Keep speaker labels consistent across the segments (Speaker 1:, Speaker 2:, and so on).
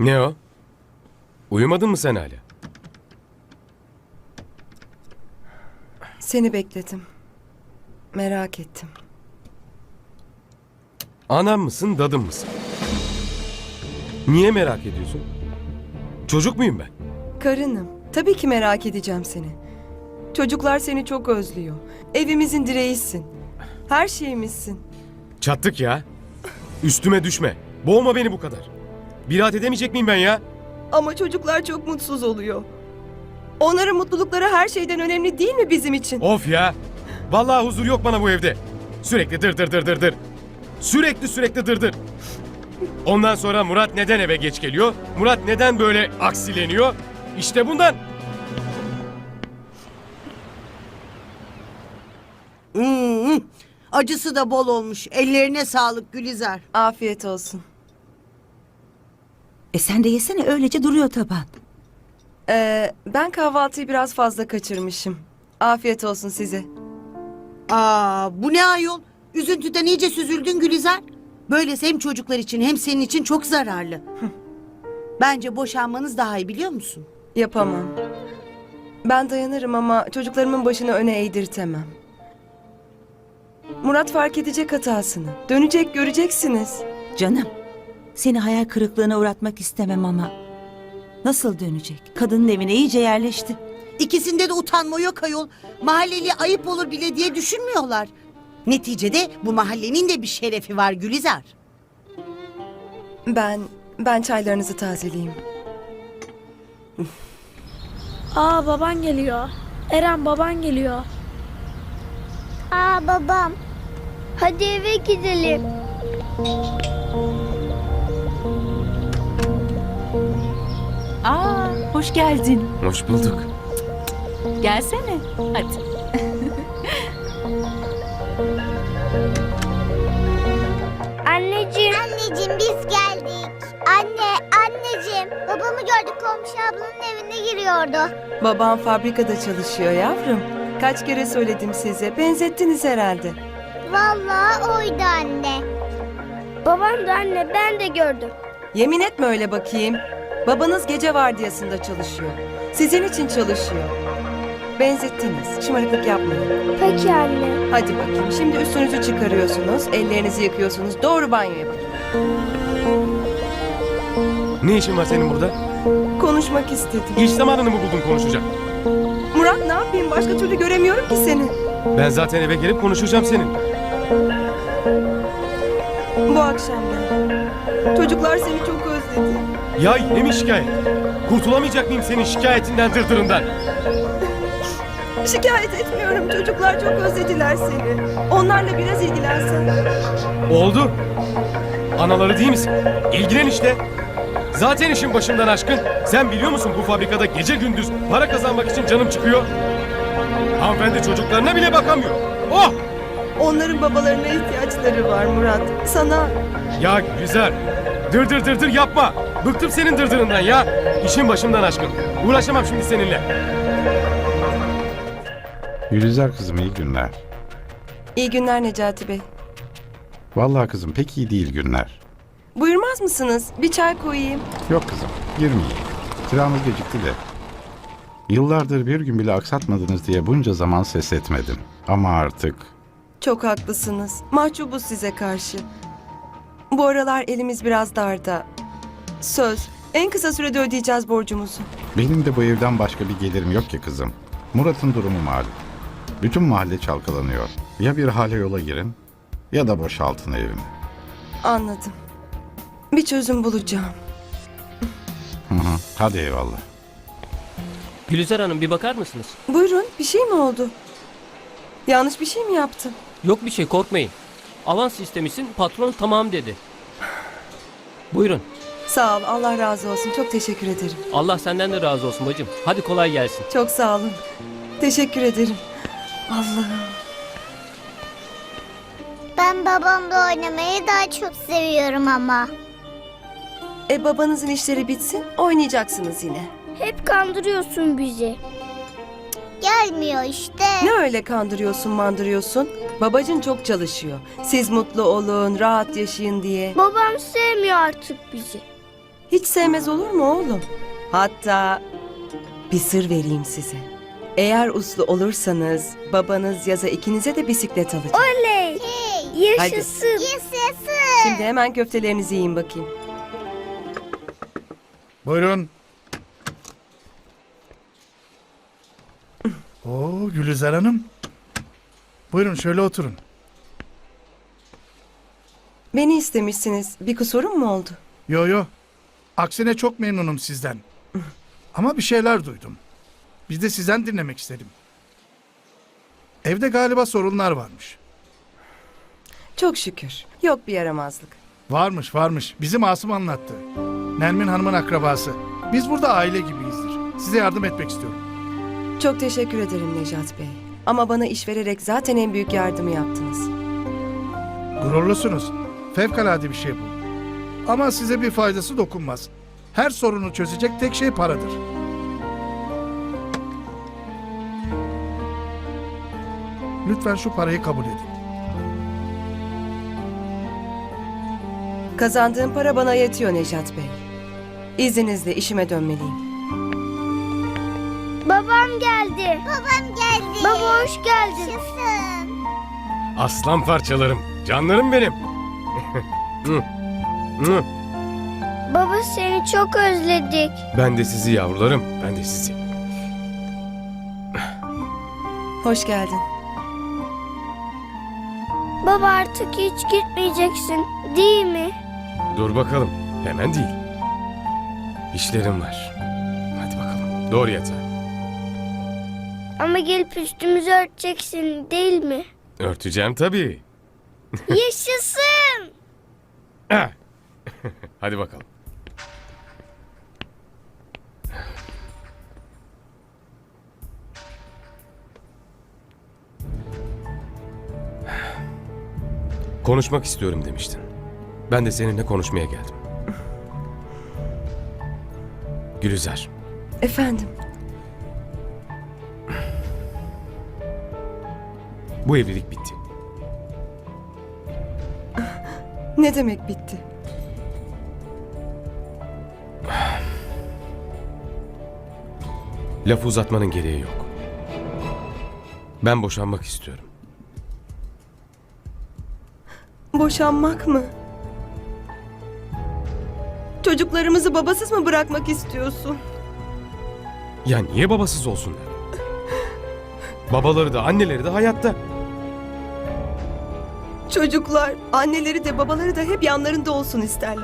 Speaker 1: Ne o? Uyumadın mı sen hala?
Speaker 2: Seni bekledim. Merak ettim.
Speaker 1: Anam mısın, dadım mısın? Niye merak ediyorsun? Çocuk muyum ben?
Speaker 2: Karınım. Tabii ki merak edeceğim seni. Çocuklar seni çok özlüyor. Evimizin direğisin. Her şeyimizsin.
Speaker 1: Çattık ya. Üstüme düşme. Boğma beni bu kadar. Bir rahat edemeyecek miyim ben ya?
Speaker 2: Ama çocuklar çok mutsuz oluyor. Onların mutlulukları her şeyden önemli değil mi bizim için?
Speaker 1: Of ya. Vallahi huzur yok bana bu evde. Sürekli dır dır dır dır dır. Sürekli dır dır. Ondan sonra Murat neden eve geç geliyor? Murat neden böyle aksileniyor? İşte bundan.
Speaker 3: Acısı da bol olmuş. Ellerine sağlık Gülizar.
Speaker 2: Afiyet olsun.
Speaker 4: Sen de yesene, öylece duruyor taban.
Speaker 2: Ben kahvaltıyı biraz fazla kaçırmışım. Afiyet olsun size.
Speaker 3: Bu ne ayol? Üzüntüden iyice süzüldün Gülizar. Böylesi hem çocuklar için hem senin için çok zararlı. Bence boşanmanız daha iyi, biliyor musun?
Speaker 2: Yapamam. Ben dayanırım ama çocuklarımın başını öne eğdirtemem. Murat fark edecek hatasını. Dönecek, göreceksiniz.
Speaker 4: Canım, seni hayal kırıklığına uğratmak istemem ama nasıl dönecek? Kadının evine iyice yerleşti.
Speaker 3: İkisinde de utanma yok ayol. Mahalleli ayıp olur bile diye düşünmüyorlar. Neticede bu mahallenin de bir şerefi var Gülizar.
Speaker 2: Ben çaylarınızı tazeleyeyim.
Speaker 5: Aa, baban geliyor. Eren, baban geliyor.
Speaker 6: Aa, babam. Hadi eve gidelim.
Speaker 4: Hoş geldin.
Speaker 1: Hoş bulduk.
Speaker 4: Gelsene. Hadi.
Speaker 6: Anneciğim. Anneciğim, biz geldik. Anneciğim. Babamı gördük, komşu ablanın evine giriyordu.
Speaker 2: Babam fabrikada çalışıyor yavrum. Kaç kere söyledim size. Benzettiniz herhalde.
Speaker 6: Vallahi oydu anne. Babam da anne, ben de gördüm.
Speaker 2: Yemin etme öyle bakayım. Babanız gece vardiyasında çalışıyor. Sizin için çalışıyor. Benzettiniz. Şımarıklık yapmayın.
Speaker 6: Peki anne.
Speaker 2: Hadi bakayım. Şimdi üstünüzü çıkarıyorsunuz. Ellerinizi yıkıyorsunuz. Doğru banyoya bakın.
Speaker 1: Ne işin var senin burada?
Speaker 2: Konuşmak istedim.
Speaker 1: İş zamanını mı buldun konuşacak?
Speaker 2: Murat, ne yapayım? Başka türlü göremiyorum ki seni.
Speaker 1: Ben zaten eve gelip konuşacağım seninle.
Speaker 2: Bu akşam gel. Çocuklar seni çok özledi.
Speaker 1: Ya yine mi şikayet? Kurtulamayacak mıyım senin şikayetinden, dırdırından?
Speaker 2: Şikayet etmiyorum. Çocuklar çok özlediler seni. Onlarla biraz ilgilensen.
Speaker 1: Oldu. Anaları değil misin? İlgilen işte. Zaten işin başımdan aşkın. Sen biliyor musun bu fabrikada gece gündüz para kazanmak için canım çıkıyor. Hanımefendi çocuklarına bile bakamıyor. Oh!
Speaker 2: Onların babalarına ihtiyaçları var Murat. Sana
Speaker 1: Ya güzel. Dır dır dır dır yapma. Bıktım senin dırdırından ya. İşin başımdan aşkın. Uğraşamam şimdi seninle.
Speaker 7: Gülizar kızım, iyi günler.
Speaker 2: iyi günler Necati Bey.
Speaker 7: Vallahi kızım pek iyi değil günler.
Speaker 2: Buyurmaz mısınız? Bir çay koyayım.
Speaker 7: Yok kızım, girmeyeyim. Kiramız gecikti de. Yıllardır bir gün bile aksatmadınız diye bunca zaman ses etmedim. Ama artık
Speaker 2: Çok haklısınız. Mahcubuz size karşı. Bu aralar elimiz biraz darda. Söz, en kısa sürede ödeyeceğiz borcumuzu.
Speaker 7: benim de bu evden başka bir gelirim yok ki kızım. Murat'ın durumu malum. Bütün mahalle çalkalanıyor. Ya bir hale yola girin ya da boşaltın evimi.
Speaker 2: Anladım. Bir çözüm bulacağım.
Speaker 7: Hı hı. Hadi eyvallah.
Speaker 8: Gülizar Hanım, bir bakar mısınız?
Speaker 2: Buyurun, bir şey mi oldu? Yanlış bir şey mi yaptım?
Speaker 8: Yok bir şey, korkmayın. Avans istemişsin, patron tamam dedi. Buyurun.
Speaker 2: Sağ ol, Allah razı olsun. Çok teşekkür ederim.
Speaker 8: Allah senden de razı olsun bacım. Hadi kolay gelsin.
Speaker 2: Çok sağ olun. Teşekkür ederim. Allah'ım.
Speaker 6: Ben babamla oynamayı daha çok seviyorum ama.
Speaker 2: Babanızın işleri bitsin, oynayacaksınız yine.
Speaker 6: Hep kandırıyorsun bizi. Gelmiyor işte.
Speaker 2: Ne öyle kandırıyorsun, mandırıyorsun? Babacın çok çalışıyor. Siz mutlu olun, rahat yaşayın diye.
Speaker 6: Babam sevmiyor artık bizi.
Speaker 2: Hiç sevmez olur mu oğlum? Hatta bir sır vereyim size. Eğer uslu olursanız babanız yaza ikinize de bisiklet alacak.
Speaker 5: Oley! Yaşasın.
Speaker 6: Yaşasın.
Speaker 2: Şimdi hemen köftelerinizi yiyin bakayım.
Speaker 9: Buyurun. Oo Gülizar Hanım. Buyurun şöyle oturun.
Speaker 2: Beni istemişsiniz. Bir kusurum mu oldu?
Speaker 9: Yo yo. Aksine çok memnunum sizden. Ama bir şeyler duydum. Biz de sizden dinlemek istedim. Evde galiba sorunlar varmış.
Speaker 2: Çok şükür. Yok bir yaramazlık.
Speaker 9: Varmış varmış. Bizim Asım anlattı. Nermin Hanım'ın akrabası. Biz burada aile gibiyizdir. Size yardım etmek istiyorum.
Speaker 2: Çok teşekkür ederim Necat Bey. Ama bana iş vererek zaten en büyük yardımı yaptınız.
Speaker 9: Gururlusunuz. Fevkalade bir şey bu. Ama size bir faydası dokunmaz. Her sorunu çözecek tek şey paradır. Lütfen şu parayı kabul edin.
Speaker 2: Kazandığım para bana yetiyor Necat Bey. İzninizle işime dönmeliyim.
Speaker 6: Babam geldi. Babam geldi.
Speaker 5: Baba hoş geldin.
Speaker 6: Yaşasın.
Speaker 1: Aslan parçalarım, canlarım benim. Hı, hı.
Speaker 5: Baba seni çok özledik.
Speaker 1: Ben de sizi yavrularım, ben de sizi.
Speaker 2: Hoş geldin.
Speaker 5: Baba artık hiç gitmeyeceksin, değil mi?
Speaker 1: Dur bakalım, hemen değil. İşlerim var. Hadi bakalım, doğru yatağa.
Speaker 5: Ama gelip üstümüzü örteceksin, değil mi?
Speaker 1: Örteceğim tabii.
Speaker 5: Yaşasın!
Speaker 1: Ah! Hadi bakalım. Konuşmak istiyorum demiştin. Ben de seninle konuşmaya geldim. Gülizar,
Speaker 2: Efendim,
Speaker 1: bu evlilik bitti.
Speaker 2: ne demek bitti?
Speaker 1: Lafı uzatmanın gereği yok. Ben boşanmak istiyorum.
Speaker 2: Boşanmak mı? Çocuklarımızı babasız mı bırakmak istiyorsun?
Speaker 1: Ya niye babasız olsunlar? Babaları da anneleri de hayatta.
Speaker 2: Çocuklar, anneleri de babaları da hep yanlarında olsun isterler.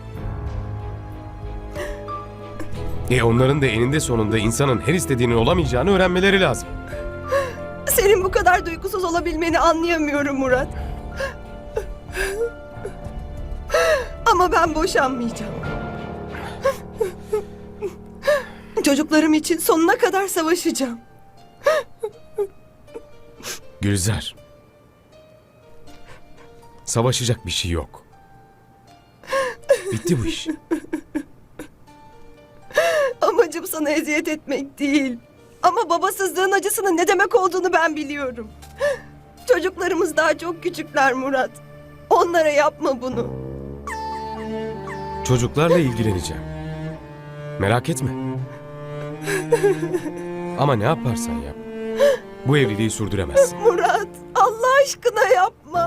Speaker 1: Onların da eninde sonunda insanın her istediğinin olamayacağını öğrenmeleri lazım.
Speaker 2: Senin bu kadar duygusuz olabilmeni anlayamıyorum Murat. Ama ben boşanmayacağım. Çocuklarım için sonuna kadar savaşacağım.
Speaker 1: Gülizar. Savaşacak bir şey yok. Bitti bu iş.
Speaker 2: Amacım sana eziyet etmek değil. Ama babasızlığın acısının ne demek olduğunu ben biliyorum. Çocuklarımız daha çok küçükler Murat. Onlara yapma bunu.
Speaker 1: Çocuklarla ilgileneceğim. Merak etme. Ama ne yaparsan yap. Bu evliliği sürdüremezsin.
Speaker 2: Murat, Allah aşkına yapma.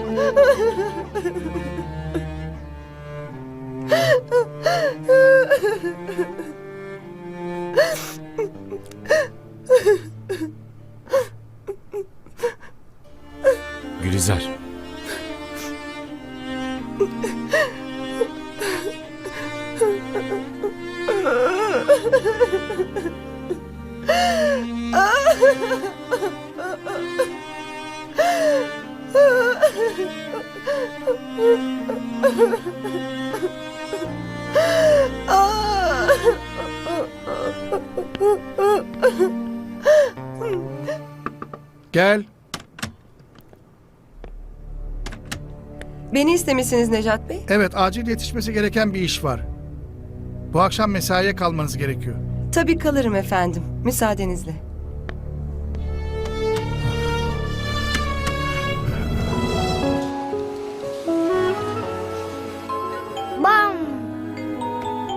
Speaker 1: Gülizar.
Speaker 9: Gel.
Speaker 2: Beni istemişsiniz Necat Bey.
Speaker 9: Evet, acil yetişmesi gereken bir iş var. Bu akşam mesaiye kalmanız gerekiyor.
Speaker 2: Tabii kalırım efendim, müsaadenizle.
Speaker 5: Bam!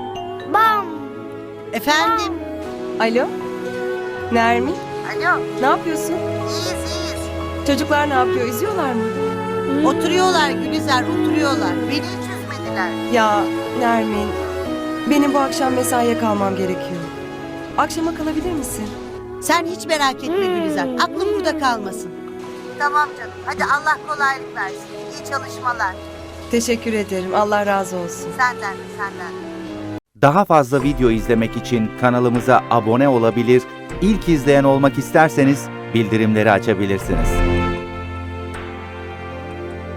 Speaker 3: Efendim?
Speaker 2: Alo? Nermin?
Speaker 3: Alo.
Speaker 2: Ne yapıyorsun?
Speaker 3: İyiyiz.
Speaker 2: Çocuklar ne yapıyor? İzliyorlar mı?
Speaker 3: Oturuyorlar Gülizar, oturuyorlar. Beni hiç üzmediler.
Speaker 2: Ya Nermin, benim bu akşam mesaiye kalmam gerekiyor. Akşama kalabilir misin?
Speaker 3: Sen hiç merak etme Gülizar. Aklım burada kalmasın. Tamam canım. Hadi Allah kolaylık versin. İyi çalışmalar.
Speaker 2: Teşekkür ederim. Allah razı olsun.
Speaker 3: Senden.
Speaker 10: Daha fazla video izlemek için kanalımıza abone olabilir, ilk izleyen olmak isterseniz bildirimleri açabilirsiniz.